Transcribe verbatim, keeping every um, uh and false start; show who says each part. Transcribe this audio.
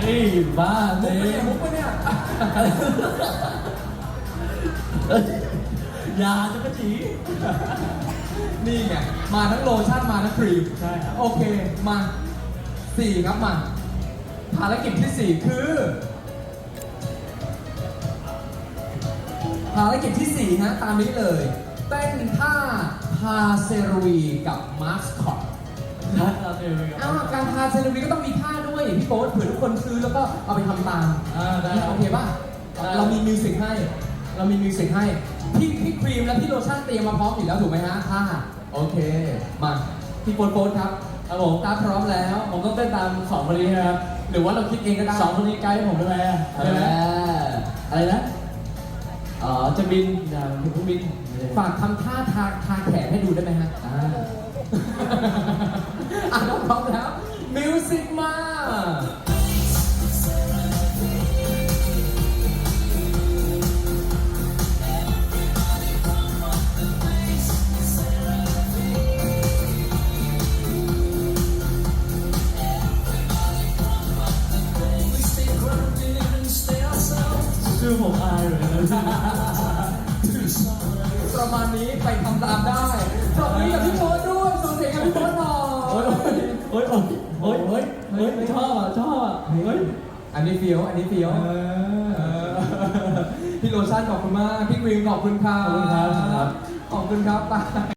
Speaker 1: เฮ้ยบ้า
Speaker 2: มุ
Speaker 1: เต้
Speaker 2: กปะเนี่ยมุกปะเนี่ย
Speaker 1: ยาจะกระจี
Speaker 2: นี่ไงมาทั้งโลชั่นมาทั้งครีม
Speaker 1: ใช่ครับ
Speaker 2: โอเคมาสี่ครับมาภารกิจที่สี่คือภารกิจที่สี่ฮะตามนี้เลยเต้นท่าพาเซรวีกับมาสคอต
Speaker 1: นัดเราเจอกัน
Speaker 2: อ้าวการพาเซรวีก็ต้องมีท่าด้วยพี่โบ๊ทเผื่อทุกคนซื้อแล้วก็เอาไปทำตาม
Speaker 1: อ่าได้
Speaker 2: โอเคป่ะ
Speaker 1: ได้
Speaker 2: เรามีมิวสิกให้ เรามีมิวสิกให้ พี่พี่ครีมและพี่โลชั่นเตรียมมาพร้อมอยู่แล้วถูกไหมฮะท่าโอเค มา พี่โบ๊ทโบ๊ทครับ
Speaker 1: ครับผม
Speaker 2: ตาพร้อมแล้ว
Speaker 1: ผมต้องเต้นตามสองคนนี้นะครับ
Speaker 2: หรือว่าเราคิดเองก็ได้
Speaker 1: สองคนนี้ไกด์ให้ผมได้ไหมอะ
Speaker 2: เอ
Speaker 1: ได้ไหม
Speaker 2: อ
Speaker 1: อะไรนะอ๋อจะบินอย่าถึงเครื่องบิน
Speaker 2: ฝากทำท่าทางทางแขนให้ดูได้ไหมฮะ
Speaker 1: อ่า
Speaker 2: อ่ะน้องพร้อมแล้ว มิวสิกมา
Speaker 1: ชื่อผมอายเหมือนกันนะ
Speaker 2: ประมาณนี้ไปทำตามได้ปรบมือกับพี่โบ๊ทด้วยส่งเสียงกับพี่โบ๊ทหน่อ
Speaker 1: โอ๊ย
Speaker 2: ย
Speaker 1: โอ๊ยโอ๊ยโอ๊ยโอ๊ยโอ๊ยโอ๊ยชอบอ่ะชอบอ่ะเฮ้ย
Speaker 2: อันนี้เฟี้ยว อันนี้เฟี้ยว
Speaker 1: เออ
Speaker 2: เออพี่โลชั่นขอบคุณมาก พี่กรีนขอบคุณครับ
Speaker 1: ขอบคุณครับ
Speaker 2: ขอบคุณครับไป